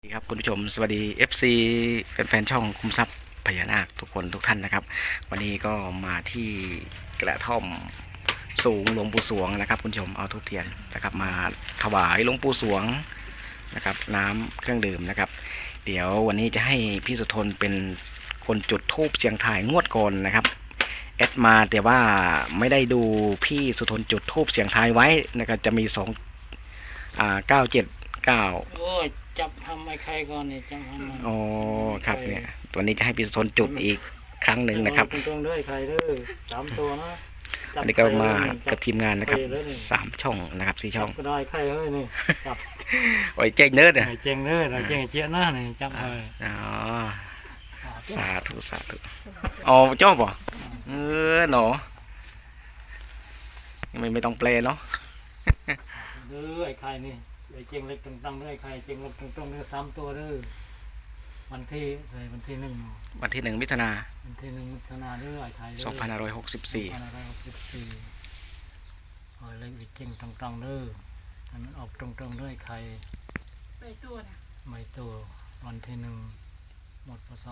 สวัสดีครับคุณผู้ชมสวัสดี FC แฟนๆช่องคุมทรัพย์พญานาคทุกคนทุกท่านนะครับวันนี้ก็มาที่กระท่อมสูงหลวงปู่สวงนะครับคุณผู้ชมเอาทูบเทียนนะครับมาถวายหลวงปู่สวงนะครับน้ำเครื่องดื่มนะครับเดี๋ยววันนี้จะให้พี่สุทนเป็นคนจุดธูปเสียงทายงวดก่อนนะครับแอดมาแต่ว่าไม่ได้ดูพี่สุทนจุดธูปเสียงทายไว้นะครับจะมี979 โอ้ยจับทำไอ้ใครก่อนนี่จับทำมันอ๋อครับเนี่ยตัวนี้จะให้พี่สุทนจุดอีกครั้งหนึ่งนะครับตรงๆด้วยใครเด้อ3 ตัวนะจับอันนี้ก็มาใครเลยกับทีมงานนะครับใเลยนี่ 3 ช่องนะครับ4 ช่องก็ได้ใครเฮ้ยนี่จับโอ้ยเจ๊งเนิร์ดอ่ะไอ้เจงเด้อไอ้เจงเจี๊ยหน้านี่จับเลยอ๋อสาธุสาธุอ๋อชอบป่ะหนอไม่ต้องแปลเนาะเด้อไอ้ใครนี่ไอ้เจงเล็กตรงๆด้วยใครเจงเล็กตรงๆด้วย3 ตัวเด้อวันที่ใส่วันที่1 วันที่1 มิถุนาวันที่1 มิถุนายนเด้อไอ้ใครเด้อ 2564 ขอเลขอีกเจงตรงๆเด้อให้มันออกตรงๆด้วยใครไปตัวนะไม่ตัววันที่1 หมดพศ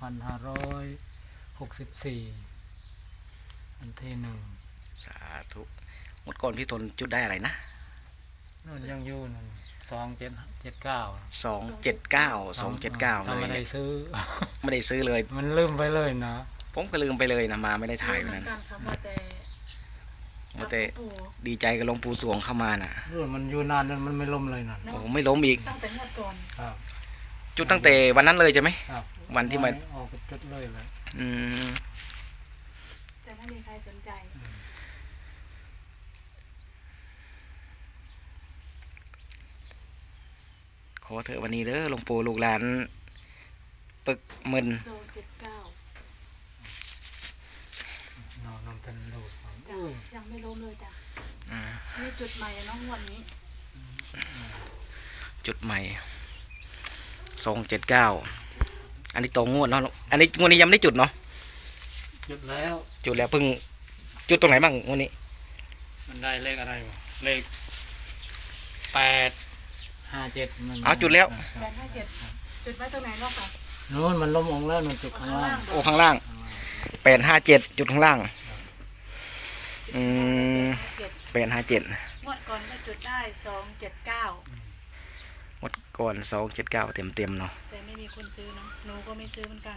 2564วันที่1 สาธุหมดก่อนพี่ทนจุดได้อะไรนะนู่นยังอยู่นั่น2779 279 เลไม่ยได้เนี่ยซื้อไม่ได้ซื้อเลยมันลืมไปเลยนะผมก็ลืมไปเลยนะมาไม่ได้ถ่ายเหวันมือนั้นนกันครับว่าแต่ว่าแต่ปู่ดีใจกับหลวงปู่สวงเข้ามาน่ะรุ่นมันอยู่นานนั่นมันไม่ล่มเลยนั่นโอ้ไม่ล้มอีกตั้งแต่งวดก่อนครับจุดตั้งแต่วันนั้นเลยใช่ไหมครับวันที่มันออกจุดเลยเลยอืมแต่ไม่มีใครสนใจขอเถอะวันนี้เด้อหลวงปู่ลูกหลานปึกมึนโซ79 นอนเป็นลูกของจ้ะยังไม่ล้มเลยจ้ะอ่านี่จุดใหม่อะน้องงวดนี้จุดใหม่279อันนี้ตรงงวดเนาะอันนี้งวดนี้ยังไม่ได้จุดเนาะจุดแล้วจุดแล้วเพิ่งจุดตรงไหนบ้างงวดนี้มันได้เลขอะไรวะเลข857มันเอาจุดแล้ว 857จุดไว้ตรงไหนรอบค่ะนู้นมันล้มองค์แล้วนู่นจุดข้างล่างโอ้ข้างล่าง857จุดข้างล่างอืม 7 857 งวดก่อนก็จุดได้279 หมดก่อน279เต็มเนาะแต่ไม่มีคนซื้อเนาะหนูก็ไม่ซื้อเหมือนกัน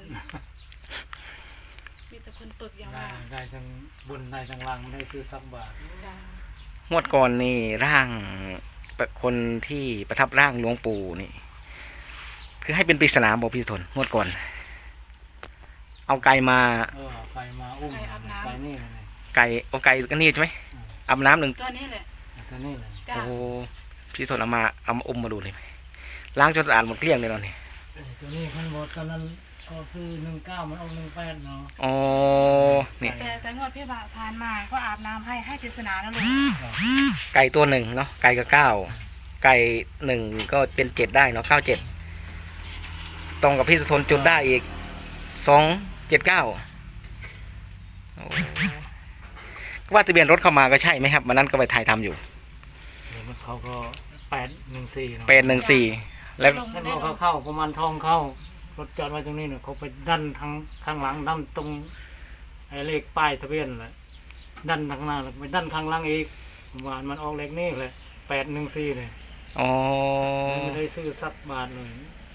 มีแต่คนปึกอย่างได้ว่าได้ทั้งบุญได้ทั้งล่างไม่ได้ซื้อสักบาทจ้ะงวดก่อนนี่ร่างคนที่ประทับร่างหลวงปู่นี่ คือให้เป็นปริศนาบอกพี่ทนงวดก่อน เอาไก่มาไปมาอุ้มไปนี่เลยไก่เอาไก่ก็นี่ใช่ไหมอาบน้ำหนึ่งตัวนี้แหละตัวนี้เลยจ้ะโอ้พี่ทนเอามาอมมาดูเลยไหมล้างจนสะอาดหมดเกลี้ยงเลยเนาะนี่ตัวนี้พันบอดตอนนั้นก็ซื้อ19มันเอา18เนาะอ๋อนี่แต่งวดพี่ผ่านมาก็อาบน้ำให้ปริศนาแล้วลุงไก่ตัวหนึ่งเนาะไก่กับไก่หนึ่งก็เป็น7ได้เนาะ97ตรงกับพี่สุทนจุดได้อีก279โอ้ว่าทะเบียนรถเข้ามาก็ใช่ไหมครับวันนั้นก็ไปถ่ายทำอยู่เดี๋ยวมันเขาก็814เนาะ 814แล้วลงมัมาน ได้เอาลงเข้าประมาณทองเข้ารถจอดไว้ตรงนี้เนี่ยเขาไปดันทางข้างหลังดันตรงไอ้เลขป้ายทะเบียนแหละดันทางหน้าแล้วไปดันข้างหลังอีกประมาณมันออกเลขนี่เลย814เลยอ๋อไม่ได้ซื้อสักบาทเลย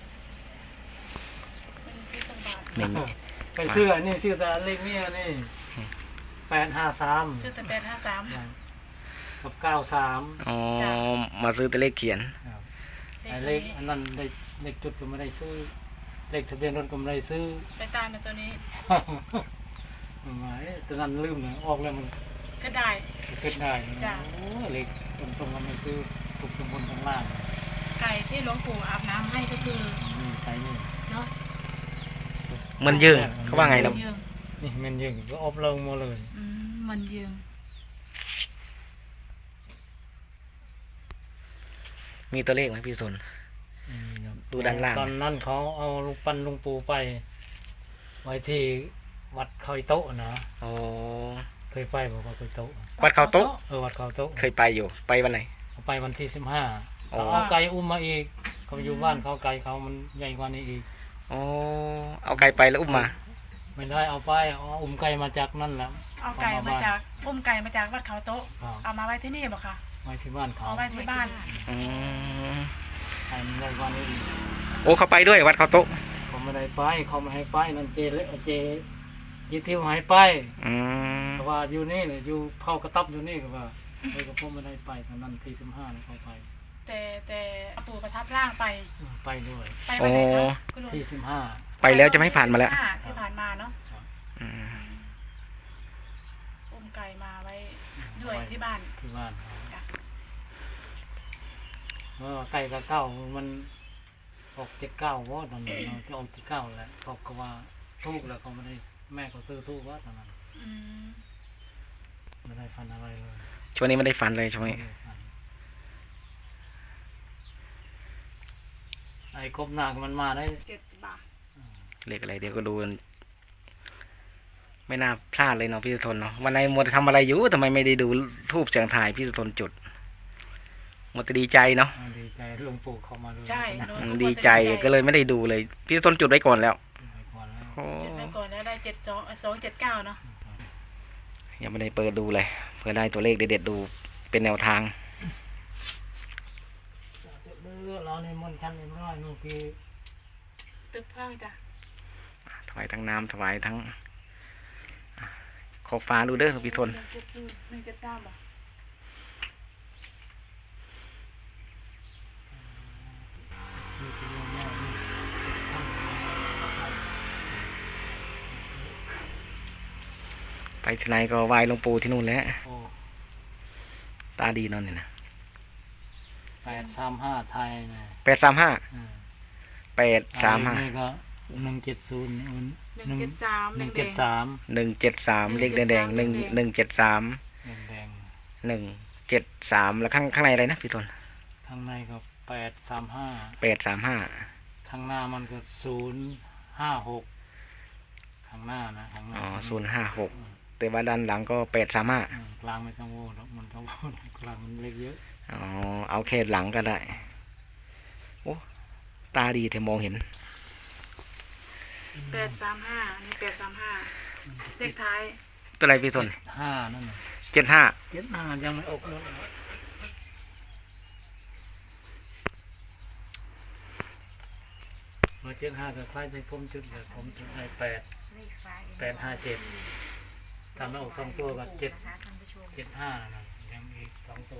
ไม่ได้ซื้อสักบาทนี่ไปซื้ออันนี้ซื้อแต่อันเลขนี่นี่853 ซื้อแต่853 กับ93 อ๋อมาซื้อแต่เลขเขียนเลไอ้ขเลตัวขนี้อันนั้นได้เลขจุดก็ไม่ได้ซื้อเลขทะเบียนรถก็ไม่ได้ซื้อไปตามในตัวนี้หมายตัวนั้นลืมเลยออกแล้วมันก็ได้ขึ้นได้นะจ้ะโอ้เลขตรงๆมันไม่ซื้อถูกตรงบนตรงล่างไก่ที่หลวงปู่อาบน้ำให้ก็คือนี่ไปนี่เนาะมันยืงเขาว่าไงนะยืงนี่มันยิงก็อบลงมาเลยมันยืงมีตัวเลขไหมพี่สน ดูด้านล่างตอนนั้นเขาเอาลูกปั้นลุงปูไป ไว้ที่วัดคอยโต๊ะนะอ๋อเคยไปบอกว่าคอยโต๊ะวัดเขาโต๊ะวัดเขาโต๊ะเคยไปอยู่ไปวันไหนเขาไปวันที่15 อ๋อเขาเอาไก่อุ้มมาอีกเขาไปอยู่บ้านเขาไก่เขามันใหญ่กว่านี้อีกโอ้เอาไก่ไปแล้วอุ้มมาไม่ได้เอาไปเอาอุ้มไก่มาจากนั่นแหละเอาไก่มาจากอุ้มไก่มาจากวัดเขาโต๊ะครับเอามาไว้ที่นี่บ่ค่ะไว้ที่บ้านเขาเอาไว้ที่บ้านอืมไก่มันใหญ่กว่านี้อีกโอ้เขาไปด้วยวัดเขาโต๊ะเขาไม่ได้ไปเขาไม่ให้ไปนั่นเจเละเจยิทิวหายไปอืมเพราะว่าอยู่นี่เลยอยู่เผากระต๊อบอยู่นี่ก็ว่าก็พ่อไม่ได้ไปตอนนั้นที่15นี่เขาไปแต่ปู่ประทับร่างไปไปด้วยไปวันไหนคะคุณลุงที่15 ไปแล้วจะไม่ผ่านมาแล้วที่ผ่านมาเนาะอืมอุ้มไก่มาไว้ด้วยที่บ้านที่บ้านจ้ะไก่กับเก้ามันออก79ว่าตอนนั้นจะออก79แหละเขาก็ว่าทูกแล้วเขาไม่ได้แม่เขาซื้อทูกว่าตอนนั้นอืมไม่ได้ฟันอะไรเลยช่วงนี้ไม่ได้ฟันเลยช่วงนี้ไม่ได้ฟันไอ้กบหนักมันมาได้ 7 บาทเลขอะไรเดี๋ยวก็ดูกันไม่น่าพลาดเลยเนาะพี่สุทนเนาะวันไหนมัวแต่ทำอะไรอยู่ทำไมไม่ได้ดูทูบเสียงถ่ายพี่สุทนจุดมัวแต่ดีใจเนาะดีใจหลวงปู่เข้ามาด้วยใช่อืมดีใจก็เลยไม่ได้ดูเลย พี่สุทนจุดไว้ก่อนแล้วไปก่อนแล้วโอ้จุดไปก่อนแล้วได้279เนาะยังไม่ได้เปิดดูเลยเพื่อได้ตัวเลขเด็ดๆดูเป็นแนวทางเราในมนต์คันในร้อยนู่นคือตึกพังจ้ะถวายทั้งน้ำถวายทั้งขอบฟ้าดูเด้อพี่ทน 173บ่ไปที่ไหนก็ไหว้หลวงปู่ที่นู่นแหล้วโอ้ตาดีเนอนนี่นะ 835ไทยนะ 835 อ่า 835 นี่ก็170 173 173 173เลขแดงๆ173 แดง 173แล้วข้างในอะไรนะพี่ทนๆข้างในก็835 835 ข้างหน้ามันก็056ข้างหน้านะข้างหน้าอ๋อ056แต่ว่าด้านหลังก็835 กลางไม่ต้องโว้หรอกมันต้องโว้กลางมันเล็กเยอะอ๋อเอาแค่หลังก็ได้โอ้ตาดีแต่มองเห็น 835นี่835เลขท้ายตัวอะไรพี่ทน 5นั่นน่ะ 75 75ยังไม่ออกเลยมา75กับคล้ายในผมจุดเลยผมจุดให้857ทำให้ออก2ตัวกับ775นะยังอีก2ตัว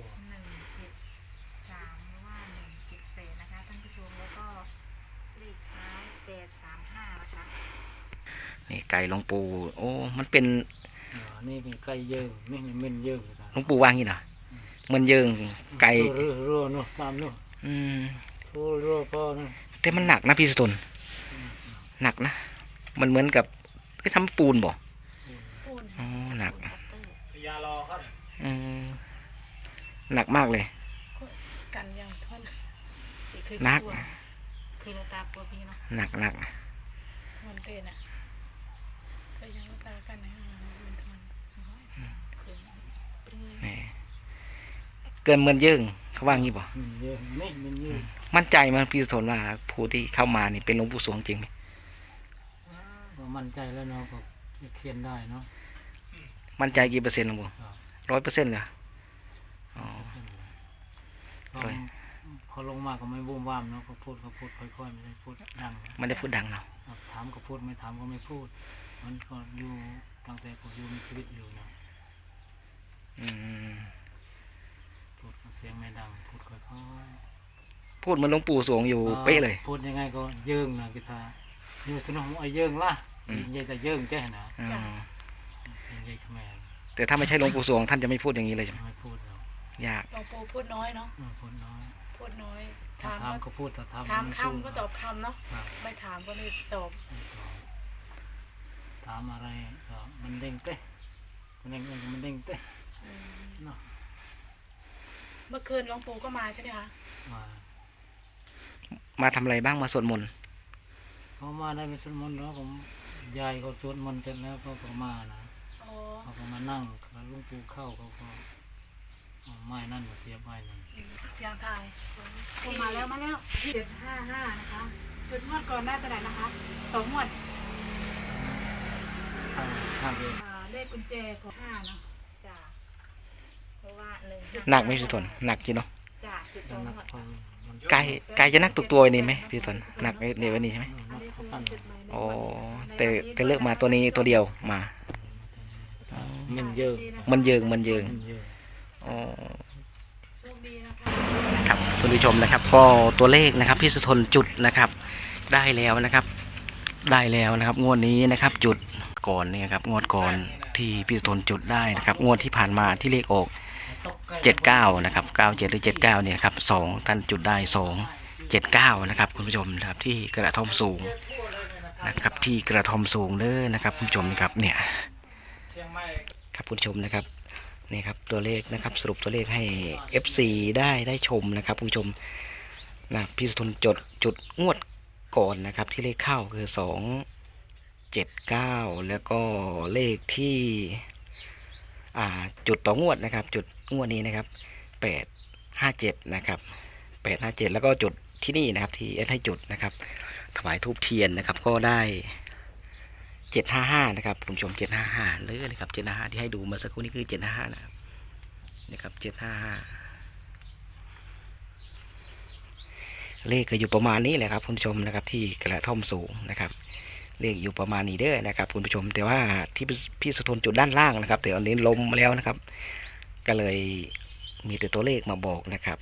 173หรือว่า178นะคะท่านผู้ชมแล้วก็เลขท้าย835นะคะนี่ไก่หลวงปู่โอ้มันเป็นนี่มีไก่เยิงนี่เม่นเยิงหลวงปู่วางงี้เหรอมันเยิงไก่รัวเนาะตามเนาะอืมรัวพ่อเนาะแต่มันหนักนะพี่สุทนหนักนะมันเหมือนกับไปทำปูนบ่ปูนอ๋อหนักยารอครับอืมหนักมากเลยกันยังทนหนักคือเราตาปัวพี่เนาะหนักหนักทนเต้นอ่ะก็ยังตากันนะมันทนคือปรื้อนี่เกินเหมือนเยิงเขาว่างี้บ่เยิงนี่มันเยิงมั่นใจมั้ยพี่สุทนว่าผู้ที่เข้ามานี่เป็นหลวงปู่สวงจริงไหมก็มั่นใจแล้วเนาะก็เขียนได้เนาะมั่นใจกี่เปอร์เซ็นต์หลวงปู่ 100%เลยอ๋อก็พอลงมาก็ไม่วุ่นวามเนาะเขาพูดค่อยๆไม่ได้พูดดังมันได้พูดดังเนาะถามก็พูดไม่ถามก็ไม่พูดมันก็อยู่ตั้งแต่ผมอยู่มีชีวิตอยู่นะอืมพูดเสียงไม่ดังพูดค่อยพูดเหมือนหลวงปู่สวงอยู่ๆเป๊ะเลยพูดยังไงก็เยิงนะกีตาร์อยู่สนองไอ้เยิงล่ะอืมยิงใหญ่แต่เยิงแจ้นะอ๋อยิงใหญ่ขแมนแต่ถ้าไม่ใช่หลวงปู่สวงท่านจะไม่พูดอย่างนี้เลยใช่ไหมไม่พูดหรอกยากหลวงปู่พูดน้อยเนาะพูดน้อยพูดน้อยถ้าถามถามก็ก็พูดถ้าถามถามไม่พูดคำก็ตอบคำเนาะครับไม่ถามก็ไม่ตอบไม่ตอบถามอะไรก็มันเด้งเต้มันเด้งมันเด้งเต้อืมเนาะเมื่อคืนหลวงปู่ก็มาใช่ไหมคะมามาทำอะไรบ้างมาสวดมนต์เขามาได้ไปสวดมนต์แล้วผมยายเขาสวดมนต์เสร็จแล้วเขาก็มานะโอ้เขาก็มานั่งแล้วหลุงปู่เข้าเขาก็ไม้นั่นมาเสียบไม้นั่นเสียงไทายมาแล้ว755นะคะจุดงวดก่อนได้ตัวไหนนะคะ2งวดข้างเองเลขกุญแจของ5เนาะจ้ะเพราะว่าหนักไหมพี่ทนหนักจริงเนาะจ้ะจุดตรนังกหมดพอมันไก่จะนักตุกตัวนี้ไหมพี่ทนหนักในวันนี้ใช่ไหมอันนี้คือจุดหมายเลขโอ้แต่เลือกมาตัวนี้ตัวเดียวมามันเยอะมันเยิงมันเยอะอ๋อโชคดีนะคะครับคุณผู้ชมนะครับก็ตัวเลขนะครับพี่สุทนจุดนะครับ ได้แล้วนะครับ ได้แล้วนะครับ งวดนี้นะครับ จุดก่อนเนี่ยครับงวดก่อนที่พี่สุทนจุดได้นะครับ งวดที่ผ่านมาที่เลขออก79นะครับ97หรือ79เนี่ยครับ2ท่านจุดได้279นะครับคุณผู้ชมนะครับที่กระท่อมสูงนะครับที่กระท่อมสูงเด้อนะครับคุณผู้ชมนะครับเนี่ยครับคุณผู้ชมนะครับนี่ครับตัวเลขนะครับสรุปตัวเลขให้ FC ได้ชมนะครับคุณผู้ชมนะพี่สุทนจุดงวดก่อนนะครับที่เลขเข้าคือ279แล้วก็เลขที่จุดต่องวดนะครับจุดงวดนี้นะครับ857นะครับ857แล้วก็จุดที่นี่นะครับที่ให้จุดนะครับถวายธูปเทียนนะครับก็ได้755นะครับคุณผู้ชม755เลยนะครับ755ที่ให้ดูมาสักครู่นี้คือ755นะครับ755เลขก็อยู่ประมาณนี้แหละครับคุณผู้ชมนะครับที่กระท่อมสูงนะครับเลขอยู่ประมาณนี้เด้อนะครับคุณผู้ชมแต่ว่าที่พี่สุทนจุดด้านล่างนะครับแต่อันนี้ลมมาแล้วนะครับก็เลยมีแต่ตัวเลขมาบอกนะครับ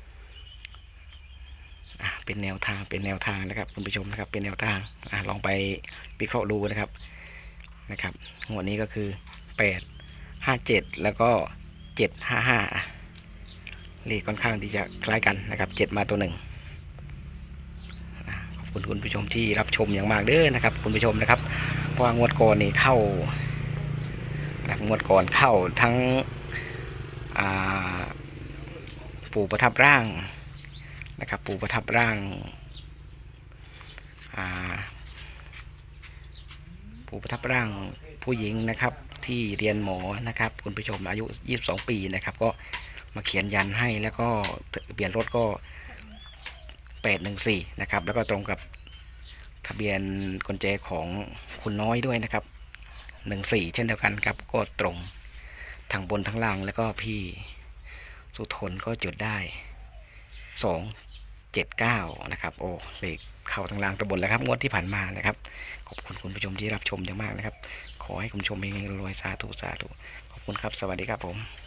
เป็นแนวทางนะครับคุณผู้ชมนะครับเป็นแนวทางลองไปวิเคราะห์ดูนะครับงวดนี้ก็คือ857แล้วก็755เลขค่อนข้างที่จะคล้ายกันนะครับ7มาตัวหนึ่งขอบคุณคุณผู้ชมที่รับชมอย่างมากเด้อนะครับคุณผู้ชมนะครับเพราะว่างวดก่อนนี่เข้างวดก่อนเข้าทั้งปู่ประทับร่างนะครับปู่ประทับร่างปู่ประทับร่างผู้หญิงนะครับที่เรียนหมอนะครับคุณผู้ชมอายุ22ปีนะครับก็มาเขียนยันให้แล้วก็ทะเบียนรถก็814นะครับแล้วก็ตรงกับทะเบียนกุญแจของคุณน้อยด้วยนะครับ14เช่นเดียวกันครับก็ตรงทั้งบนทั้งล่างแล้วก็พี่สุทนก็จุดได้279นะครับโอ้เลขเข้าทั้งล่างตะบนแล้วครับงวดที่ผ่านมานะครับขอบคุณคุณผู้ชมที่รับชมอย่างมากนะครับขอให้คุณผู้ชมเฮงๆรวยๆสาธุขอบคุณครับสวัสดีครับผม